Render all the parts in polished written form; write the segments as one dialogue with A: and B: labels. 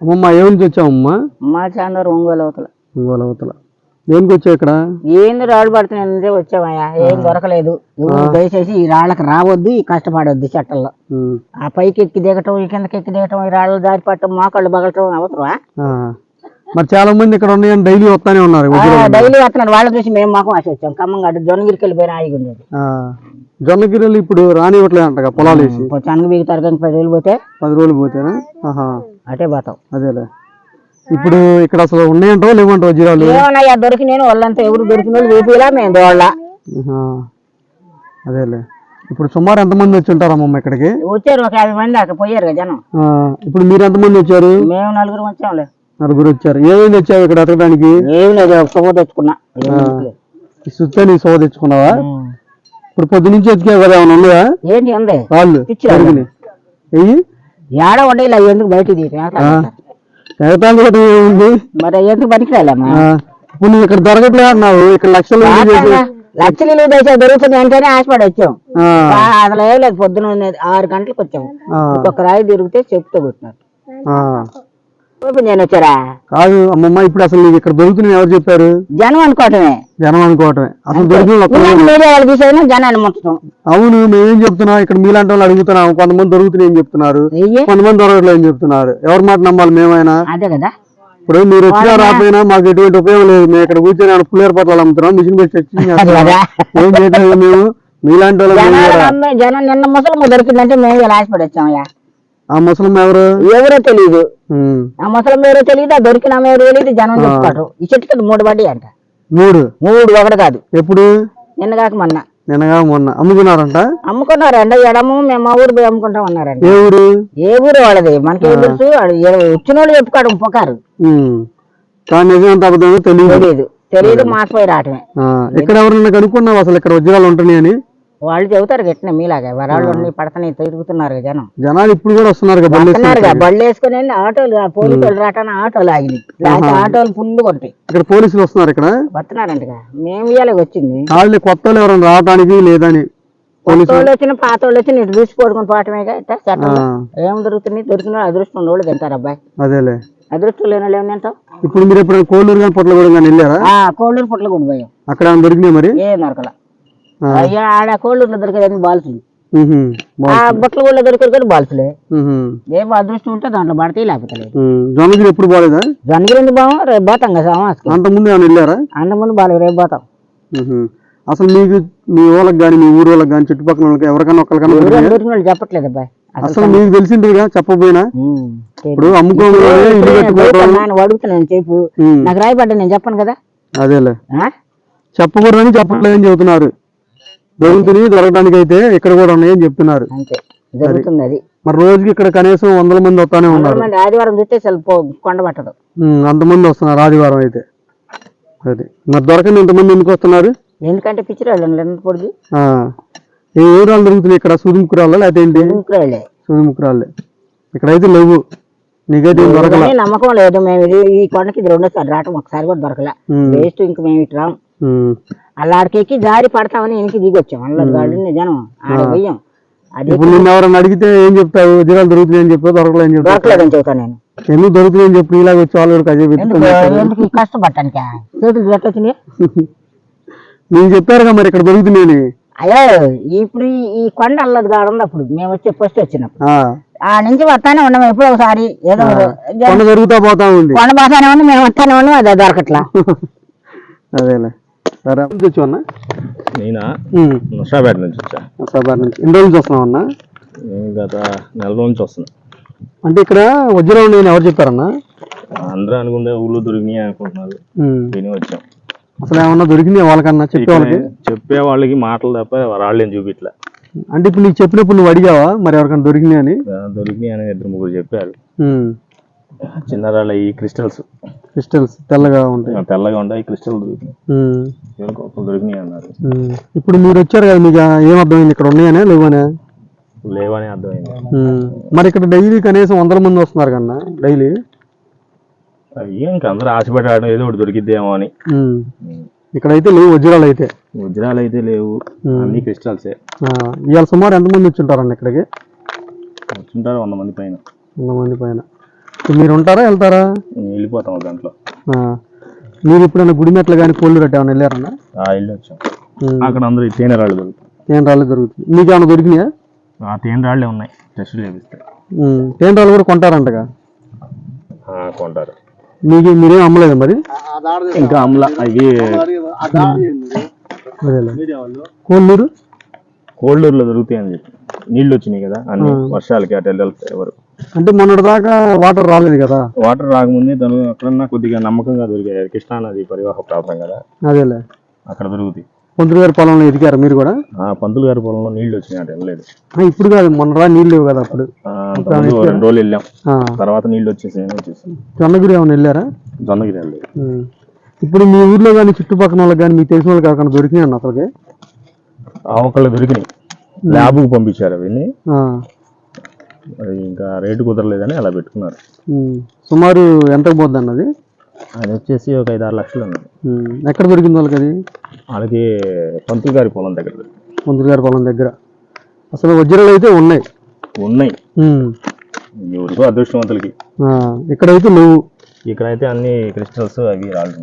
A: అమ్మమ్మ ఏ నుంచి వచ్చావమ్మా?
B: మా చాందూరు ఒంగోలు
A: అవతల దేనికి వచ్చావు ఇక్కడ?
B: ఏంది రాళ్ళు పడుతున్నాయంటే వచ్చామయ్యా, ఏం దొరకలేదు. దయచేసి ఈ రాళ్ళకి రావద్దు, ఈ కష్టపడొద్దు చెట్టల్లో. ఆ పైకి ఎక్కి దిగటం, ఈ కిందకి ఎక్కి దిగటం, ఈ రాళ్ళు దారి పట్టడం, మోకాళ్ళు బగలటం అవసరమా?
A: మరి చాలా మంది ఇక్కడ ఉన్నాయని డైలీ వస్తానే ఉన్నారు.
B: డైలీ వస్తున్నారు. వాళ్ళ చూసి మేము మాకు ఆశ వచ్చాం. ఖమ్మం గడ్డ జొన్నగిరికి వెళ్ళిపోయినా ఆగి ఉండేది.
A: జొన్నగిరిలు ఇప్పుడు రానివ్వట్లేదు అంట పొలాలు వేసి.
B: చనగ బీగుతారు కానీ 10 రోజులు పోతే
A: 10 రోజులు పోతేనా?
B: అటే పోతాం.
A: అదేలే. ఇప్పుడు ఇక్కడ అసలు ఉన్నాయంటో లేవంటో వజ్రాలు?
B: ఏమన్నాయా దొరికి నేను వాళ్ళంతా ఎవరు దొరికిన వాళ్ళు వేపిలా మేము దోళ్ళ.
A: అదేలే. ఇప్పుడు సుమారు ఎంతమంది వచ్చి ఉంటారమ్మమ్మ ఇక్కడికి?
B: వచ్చారు ఒక 50 మంది దాకా పోయారు కదా జనం.
A: ఇప్పుడు మీరు ఎంతమంది వచ్చారు?
B: మేము 4 వచ్చాంలే.
A: 4 వచ్చారు. ఏమేమి తెచ్చావు ఇక్కడ ఎతకడానికి?
B: ఏమి లేదు, సొమ్ము తెచ్చుకున్నా.
A: సుత్తే నీ సోవ తెచ్చుకున్నావా? ఇప్పుడు పొద్దు నుంచి ఎత్తికావు కదా, ఏమన్నా ఉన్నాయా?
B: ఏంటి ఉంది
A: వాళ్ళు
B: ఏడ ఉండే ఇలా ఎందుకు బయట
A: ఏముంది
B: మరి ఎందుకు పనికిరాలేమ్మా?
A: ఇప్పుడు నువ్వు ఇక్కడ దొరకట్లే అన్నావు. ఇక్కడ లక్షలు
B: దశ దొరుకుతుంది అంటేనే ఆశపడి వచ్చాం. అసలు ఏం లేదు, పొద్దున 6 గంటలకు వచ్చాము. ఒక్కొక్క రాయి తిరిగితే చెప్తూ కొట్టినారు. నేను వచ్చారా?
A: కాదు అమ్మమ్మ, ఇప్పుడు అసలు నీకు ఇక్కడ దొరుకుతున్నాయి ఎవరు చెప్పారు?
B: జనం అనుకోవటమే.
A: అసలు దొరికిన
B: జనాన్ని ముట్టడం.
A: అవును, మేమేం చెప్తున్నాం, ఇక్కడ మీలాంటి వాళ్ళు అడుగుతున్నాం. కొంతమంది దొరుకుతున్నాయి అని చెప్తున్నారు, కొంతమంది దొరకట్లేదు అని చెప్తున్నారు. ఎవరి మాట నమ్మాలి మేమైనా?
B: అదే కదా.
A: ఇప్పుడు మీరు వచ్చినా రాకపోయినా మాకు ఎటువంటి ఉపయోగం లేదు. మేము ఇక్కడ కూర్చొని పుల్లేరు పట్ల అమ్ముతున్నాం, మిషన్ పెట్టి ఏం చేయట్లేదు. మేము మీలాంటి వాళ్ళు
B: జనం నిన్న ముసలమ్మ దొరికిందంటే మేము ఇలా ఆశపడి వచ్చామయ్యా.
A: ఆ ముసలమ్మ
B: ఎవరో తెలియదు. ఆ ముసలమ్మ ఎవరో తెలియదు, ఆ దొరికిన ఎవరో తెలియదు. జనం చెప్తారు ఈ చెట్టుకి 3 పడ్డాయి అంట. 3 ఒకటి కాదు.
A: ఎప్పుడు?
B: నిన్నగాక
A: మొన్న అమ్ముకున్నారంట.
B: అమ్ముకున్నారంట. ఎడము మేము మా ఊరు పోయి అమ్ముకుంటాం అన్నారంట. ఏ ఊరు వాళ్ళది మనకేం తెలుసు? వచ్చిన వాళ్ళు చెప్పుకోవడం పొకారు. తెలియదు మాసిపోయి రావటమే.
A: ఇక్కడ ఎవరన్నా కనుక్కున్నావు అసలు ఇక్కడ వజ్రాలు ఉంటున్నాయని?
B: వాళ్ళు చెబుతారు గట్టిన మీలాగా వరాళ్ళు పడతానే తిరుగుతున్నారు
A: జనాలు. ఇప్పుడు కూడా వస్తున్నారు
B: బళ్ళు వేసుకుని ఆటోలు, పోలీసులు రావటానికి ఆటోలు ఆగినాయి. ఆటోలు ఫుల్ కొట్టాయి.
A: ఇక్కడ పోలీసులు వస్తున్నారు, ఇక్కడ వస్తున్నారంట.
B: మేము ఇవాళ వచ్చింది.
A: వాళ్ళు కొత్త వాళ్ళు ఎవరైనా రావడానికి లేదని
B: కొత్త వాళ్ళు వచ్చిన పాత వాళ్ళు వచ్చి ఇటు చూసి పడుకుని పోవటమేగా. ఏం దొరుకుతున్నాయి? దొరికిన అదృష్టం వాళ్ళు తింటారు అబ్బాయి.
A: అదేలే.
B: అదృష్టం లేని వాళ్ళు ఏం తింటాం?
A: ఇప్పుడు మీరు ఎప్పుడు కోళ్ళూరు కానీ పొట్లగూడెం కానీ వెళ్ళారా?
B: కోళ్ళూరు పొట్లగూడెం పోయాం.
A: అక్కడ దొరికినాయి మరి?
B: ఏం దొరకల. ఆడ కోళ్ళూరులో దొరికేది బాల్సులు, బొట్లగూడలో దొరికేది కూడా బాల్సులే. ఏం అదృష్టం ఉంటే దాంట్లో పడితే లేకపోతే లేదు.
A: జొన్నగిరి ఎప్పుడు బాగాలేదా?
B: జొన్నగిరి ఎందుకు బాగా? రేపు పోతాం కదా.
A: అంతకుముందు ఏమైనా వెళ్ళారా?
B: అంతకుముందు బాగాలేదు, రేపు పోతాం.
A: అసలు మీకు మీ వాళ్ళకి కానీ మీ ఊరు వాళ్ళకి కానీ చుట్టుపక్కల వాళ్ళకి ఎవరికైనా ఒకరికైనా
B: దొరికిన వాళ్ళు చెప్పట్లేదు అబ్బాయి.
A: అసలు మీకు తెలిసిందిగా చెప్పకపోయినా? ఇప్పుడు అమ్ముకోవాలి
B: అడుగుతున్నాను చెప్పు, నాకు రాయపడ్డా నేను చెప్పను కదా.
A: అదేలే, చెప్పకూడదని చెప్పట్లేదని చెబుతున్నారు. దొరుకుతున్నాయి, దొరకడానికి అయితే ఇక్కడ కూడా ఉన్నాయని చెప్తున్నారు.
B: జరుగుతుంది అది.
A: మరి రోజుకి ఇక్కడ కనీసం 100 మంది వస్తానే ఉన్నారు.
B: ఆదివారం చూస్తే కొండ పట్టదు,
A: అంతమంది వస్తున్నారు ఆదివారం అయితే. అది మరి దొరకని ఇంతమంది ఎందుకు వస్తున్నారు?
B: ఎందుకంటే పిచ్చిరాళ్ళు పొడిగి
A: ఏ ఊరాలు దొరుకుతున్నాయి ఇక్కడ? సూదిముక్కురాళ్ళ లేకపోతే ఏంటి? సూదిముక్కురాళ్ళే. ఇక్కడైతే లేవు. నీకైతే దొరకలే?
B: నమ్మకం లేదు. మేము ఈ కొండకి 2సారి రావటం, ఒకసారి కూడా దొరకలే. వేస్ట్. ఇంక మేము ఇటు రాం. అల్లాడికెక్కి జారి పడతామని వెనక్కి దిగొచ్చాం. అల్లగాళ్ళు జనం ఆడ పోయాం.
A: ఇప్పుడు నిన్న ఎవరన్నా అడిగితే ఏం చెప్తావు? వజ్రాలు దొరుకుతున్నాయని చెప్పి దొరకలేదని చెప్పి?
B: దొరకలేదని చెప్తాను నేను.
A: ఎందుకు దొరుకుతున్నాయని చెప్పి ఇలాగ వచ్చి వాళ్ళు
B: ఎందుకు కష్టపడటానికి? చేతులు పెట్టొచ్చినాయి.
A: నేను చెప్పారుగా మరి ఇక్కడ దొరుకుతున్నాయని.
B: అయ్యో ఇప్పుడు ఈ కొండ అల్లది కాదు అప్పుడు మేము వచ్చే ఫస్ట్ వచ్చినప్పుడు ఆ నుంచి వస్తానే ఉన్నాము. ఎప్పుడో ఒకసారి ఏదో
A: దొరుకుతా పోతా ఉంది.
B: కొండ పోతానే ఉంది, మేము వస్తానే ఉన్నాం. అదే దొరకట్లా.
A: అదేలే. సరే వచ్చావన్నా?
C: నేనా? నర్సాపేట నుంచి వచ్చా.
A: నర్సాపేట నుంచి ఎన్ని రోజుల నుంచి వస్తున్నావు అన్న?
C: గత 4 రోజుల నుంచి వస్తున్నా.
A: అంటే ఇక్కడ వజ్రాలు ఉన్నాయని ఎవరు చెప్పారన్నా?
C: అందరూ అనుకుంటే ఊళ్ళో దొరికినాయి అనుకుంటున్నారు, విని వచ్చాం.
A: అసలు ఏమన్నా దొరికినాయి వాళ్ళకన్నా?
C: చెప్పే వాళ్ళకి మాటలు తప్ప రాళ్ళేం చూపిట్లే.
A: అంటే ఇప్పుడు నీకు చెప్పినప్పుడు నువ్వు అడిగావా మరి ఎవరికైనా దొరికినాయి అని?
C: దొరికినాయి అని 2-3 చెప్పారు. చిన్న రాళ్ళ ఈ క్రిస్టల్స్
A: తెల్లగా ఉంటాయి.
C: ఈ క్రిస్టల్ దొరికినాయి అన్నారు.
A: ఇప్పుడు మీరు వచ్చారు కదా, మీకు ఏమర్థమైంది? ఇక్కడ ఉన్నాయనే
C: లేవని అర్థమైంది.
A: మరి ఇక్కడ డైలీ కనీసం 100 మంది వస్తున్నారు కన్నా డైలీ.
C: ఇంకా అందరూ ఆశపడ్డాడు ఏదో ఒకటి దొరికిద్దేమో అని.
A: ఇక్కడైతే లేవు వజ్రాలు అయితే
C: లేవు, అన్ని క్రిస్టల్సే.
A: ఇవాళ సుమారు ఎంతమంది వచ్చి ఉంటారన్న ఇక్కడికి?
C: వచ్చుంటారు 100 మంది పైన.
A: 100 మంది పైన. మీరు ఉంటారా వెళ్తారా?
C: వెళ్ళిపోతాం దాంట్లో.
A: మీరు ఎప్పుడైనా గుడిమెట్లు కానీ కోళ్ళు రట్టు ఏమైనా వెళ్ళారన్నా?
C: వెళ్ళి వచ్చాం. అక్కడ అందరూ తేనె రాళ్ళు దొరుకుతాయి.
A: తేనె రాళ్ళు దొరుకుతుంది. మీకు ఏమైనా దొరికినాయా?
C: తేనె రాళ్ళే ఉన్నాయి, టెస్ట్ చేపిస్తాయి.
A: తేనె రాళ్ళు కూడా కొంటారంటగా?
C: కొంటారు.
A: మీరేం అమ్మలేదు మరి?
C: ఇంకా అమ్మలా. అవి కోళ్ళూరులో దొరుకుతాయని చెప్పి నీళ్ళు వచ్చినాయి కదా అన్ని వర్షాలకి అటు వెళ్తాయి వరకు.
A: అంటే మొన్నటి దాకా వాటర్ రాలేదు కదా?
C: వాటర్ రాకముందే తను ఎక్కడన్నా కొద్దిగా నమ్మకంగా దొరికాయి. కృష్ణానది పరివాహ ప్రాంతం కదా, అదేలే అక్కడ దొరుకుతాయి.
A: పంతులు గారి పొలంలో ఎదిగారు మీరు కూడా?
C: పంతులు గారి పొలంలో నీళ్లు వచ్చినాయి, అటు వెళ్ళలేదు.
A: ఇప్పుడు కాదు, మొన్న నీళ్ళు లేవు కదా అప్పుడు.
C: 2 రోజులు వెళ్ళాం, తర్వాత నీళ్ళు వచ్చేసి
A: జొన్నగిరి ఏమైనా వెళ్ళారా?
C: జొన్నగిరి వెళ్ళలేదు.
A: ఇప్పుడు మీ ఊర్లో కానీ చుట్టుపక్కల వాళ్ళకి కానీ మీకు తెలిసిన వాళ్ళకి ఎవరికైనా దొరికినాయి అన్న అసలుకి?
C: ఒకళ్ళు దొరికినాయి, ల్యాబ్కు పంపించారు అవన్నీ. అది ఇంకా రేటు కుదరలేదని అలా పెట్టుకున్నారు.
A: సుమారు ఎంతకు పోద్ది అన్నది?
C: అది వచ్చేసి ఒక 5-6 లక్షలు అన్నది.
A: ఎక్కడ దొరికింది వాళ్ళకి అది?
C: వాళ్ళకి పంతులు గారి పొలం దగ్గర.
A: పంతులు గారి పొలం దగ్గర అసలు వజ్రాలు అయితే ఉన్నాయి.
C: ఎవరికో అదృష్టవంతులకి.
A: ఇక్కడైతే లేవు.
C: ఇక్కడైతే అన్ని క్రిస్టల్స్ అవి రాళ్ళు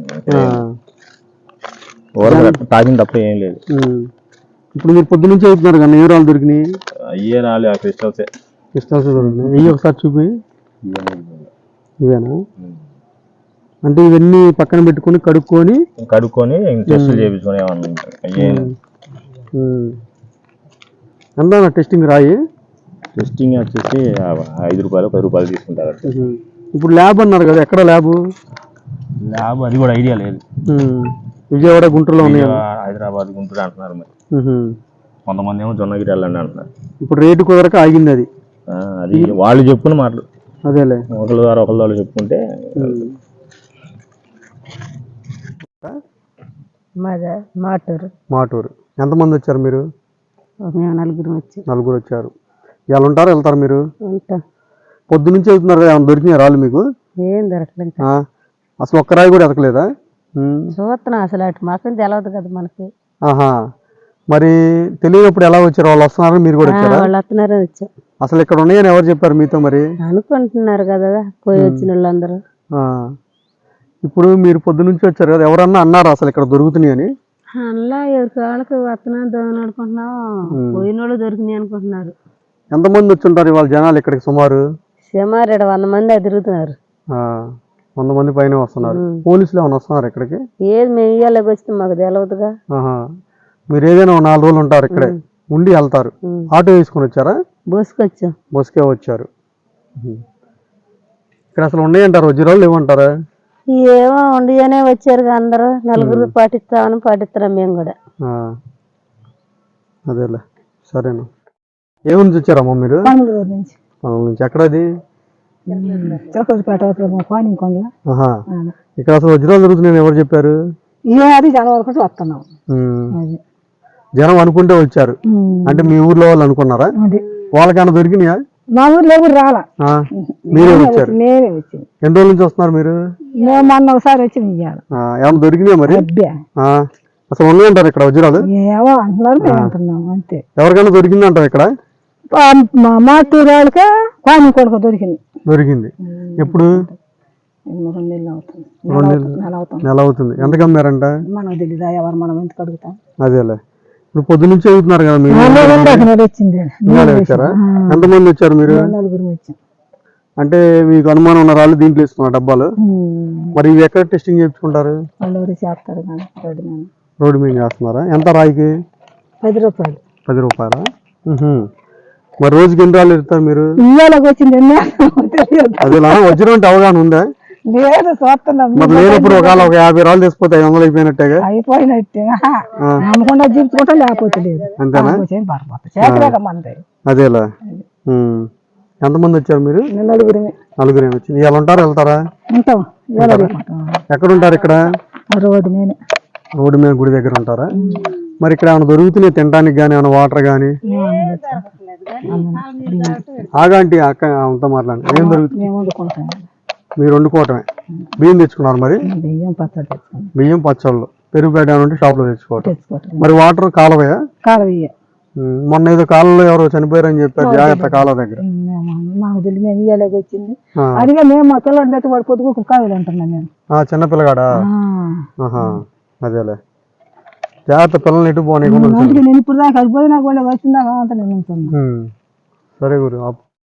C: తాగిన తప్ప ఏం లేదు.
A: ఇప్పుడు మీరు పొద్దు నుంచి అవుతున్నారు కానీ ఏ రాళ్ళు దొరికినాయి?
C: అయ్యే రాళ్ళు, ఆ క్రిస్టల్సే.
A: క్రిస్టల్స్ దొరికినాయి. ఇవి ఒకసారి చూపి. ఇవేనా? అంటే ఇవన్నీ పక్కన పెట్టుకొని కడుక్కొని
C: టెస్టులు చేయించుకొని
A: ఎంత టెస్టింగ్ రాయి?
C: టెస్టింగ్ వచ్చేసి 5 రూపాయలు 10 రూపాయలు తీసుకుంటారు.
A: ఇప్పుడు ల్యాబ్ అన్నారు కదా, ఎక్కడ ల్యాబ్?
C: అది కూడా ఐడియా లేదు.
A: విజయవాడ, గుంటూరులో ఉన్నాయి.
C: హైదరాబాద్, గుంటూరు అంటున్నారు మరి. కొంతమంది ఏమో జొన్నగిరి వెళ్ళండి అంటున్నారు.
A: ఇప్పుడు రేటు కుదరక ఆగింది అది.
C: అది వాళ్ళు చెప్పుకున్న మాటలు.
A: అదేలే,
C: ఒకళ్ళు వాళ్ళు చెప్పుకుంటే.
A: మాటూరు. ఎంతమంది వచ్చారు మీరు? నలుగురు వచ్చారు. ఇలా ఉంటారు, వెళ్తారు మీరు? పొద్దు నుంచి వెళ్తున్నారు కదా, దొరికినాయి రాళ్ళు మీకు?
B: ఏం దొరకలేదు
A: అసలు ఒక్క రాయి కూడా ఎతకలేదా?
B: చూస్తున్నాం, అసలు అటు మాత్రం తెలియదు కదా మనకి.
A: మరి తెలియనప్పుడు ఎలా వచ్చారు? వాళ్ళు వస్తున్నారని మీరు కూడా వచ్చారా?
B: వాళ్ళు వస్తున్నారని వచ్చాం.
A: అసలు ఇక్కడ ఉన్నాయని ఎవరు చెప్పారు మీతో? మరి
B: అనుకుంటున్నారు కదా పోయి వచ్చిన వాళ్ళందరూ.
A: ఇప్పుడు మీరు పొద్దు నుంచి వచ్చారు కదా, ఎవరన్నా అన్నారు అసలు ఇక్కడ దొరుకుతున్నాయి అని?
B: అలా ఎవరికి వాళ్ళకి వస్తున్నాం దొంగ అనుకుంటున్నాం, పోయిన వాళ్ళు దొరికినాయి అనుకుంటున్నారు.
A: ఎంతమంది వచ్చి ఉంటారు ఇవాళ జనాలు ఇక్కడికి? సుమారు
B: 100 మంది తిరుగుతున్నారు.
A: 100 మంది పైన వస్తున్నారు. పోలీసులు ఏమైనా వస్తున్నారు ఇక్కడికి?
B: ఏది మేము ఇయ్యాలకి వస్తే మాకు తెలియదుగా.
A: మీరు ఏదైనా 4 రోజులు ఉంటారు ఇక్కడే, ఉండి వెళ్తారు. ఆటో వేసుకొని వచ్చారా? బస్కే వచ్చారు. ఇక్కడ అసలు ఉన్నాయంటారు వజ్రాలు, లేవంటారా?
B: ఏమో ఉండిగానే వచ్చారు అందరూ. నలుగురు పాటిస్తున్నాం మేము కూడా.
A: అదేలే, సరేనా. ఏ ఊరు నుంచి వచ్చారమ్మా మీరు? నుంచి. ఎక్కడది? ఇక్కడ అసలు వజ్రాలు దొరుకుతున్నాయని ఎవరు చెప్పారు? జనం అనుకుంటే వచ్చారు. అంటే మీ ఊర్లో వాళ్ళు అనుకున్నారా? వాళ్ళకైనా దొరికినాయా?
B: మా ఊర్లో ఎవరు రాలా,
A: మీరే వచ్చారు. ఎన్ని రోజుల నుంచి వస్తున్నారు మీరు?
B: మొన్న ఒకసారి వచ్చి
A: ఏమన్నా దొరికినాయా మరి? అసలు ఉన్నాయంటారు ఇక్కడ వజ్రాలు?
B: ఏమో అంటున్నారు అంతే.
A: ఎవరికైనా దొరికింది అంటారు ఇక్కడ?
B: మా టూరు వాళ్ళకే పాని కొడుకు
A: దొరికింది. ఎప్పుడు?
B: 2 నెలలు అవుతుంది.
A: నెల అవుతుంది. ఎంత కమ్మారంట?
B: మనకు తెలీదా, ఎవరు మనం ఎందుకు అడుగుతాం.
A: అదేలే, ఇప్పుడు పొద్దు నుంచి అవుతున్నారు కదా మీరు? వచ్చారా? ఎంతమంది వచ్చారు మీరు?
B: 4 వచ్చాం.
A: అంటే మీకు అనుమానం ఉన్న రాళ్ళు దీంట్లో ఇస్తున్నారు డబ్బాలు. మరి ఇవి ఎక్కడ టెస్టింగ్ చేయించుకుంటారు? రోడ్డు మీద చేస్తున్నారా? ఎంత రాయికి?
B: 10 రూపాయలు.
A: 10 రూపాయలా? మరి రోజుకి ఎన్ని రాళ్ళు ఇస్తారు మీరు? అదేలా వజ్రం అంటే అవగాహన ఉందా?
B: లేదు, చూస్తున్నాం.
A: మరి లేనప్పుడు ఒకవేళ ఒక 50 రాళ్ళు తీసుకుపోతే 500 అయిపోయినట్టేగా?
B: అయిపోయినట్టే. నమ్మకుండా జీవించుకుంటా, లేకపోతే లేదు.
A: అంతేనా? అదేలా. ఎంతమంది వచ్చారు మీరు?
B: 4
A: వచ్చింది. ఇవాళ ఉంటారా, వెళ్తారా? ఎక్కడ ఉంటారు ఇక్కడ? రోడ్డు మీద గుడి దగ్గర ఉంటారా? మరి ఇక్కడ ఏమైనా దొరుకుతున్నాయి తినడానికి కానీ, ఏమైనా వాటర్ కానీ? ఆగాంటి అక్క అంతా మాట్లాడండి. ఏం దొరుకుతుంది? మీరు వండుకోవటమే. బియ్యం తెచ్చుకున్నారు మరి? బియ్యం పచ్చళ్ళు, పెరుగు పేడ ఉంటే షాప్ లో తెచ్చుకోవటం. మరి వాటర్ కాలువయా? మొన్న ఏదో కాలంలో ఎవరో చనిపోయారని చెప్పారు, జాగ్రత్త కాలం దగ్గర.
B: మాకు తెలియదు, మేము ఇయ్యలేక వచ్చింది. అడిగా మేము మా పిల్లలు అయితే వాడు పొద్దుకు కాయలు అంటున్నాను నేను.
A: చిన్న పిల్లగాడా? అదేలే, జాగ్రత్త, పిల్లల్ని ఎటు పోనీ.
B: నేను ఇప్పుడు దాకా అది పోయి నాకు వాళ్ళు వచ్చిందాక అంత నేను ఉంటున్నాను.
A: సరే గురు.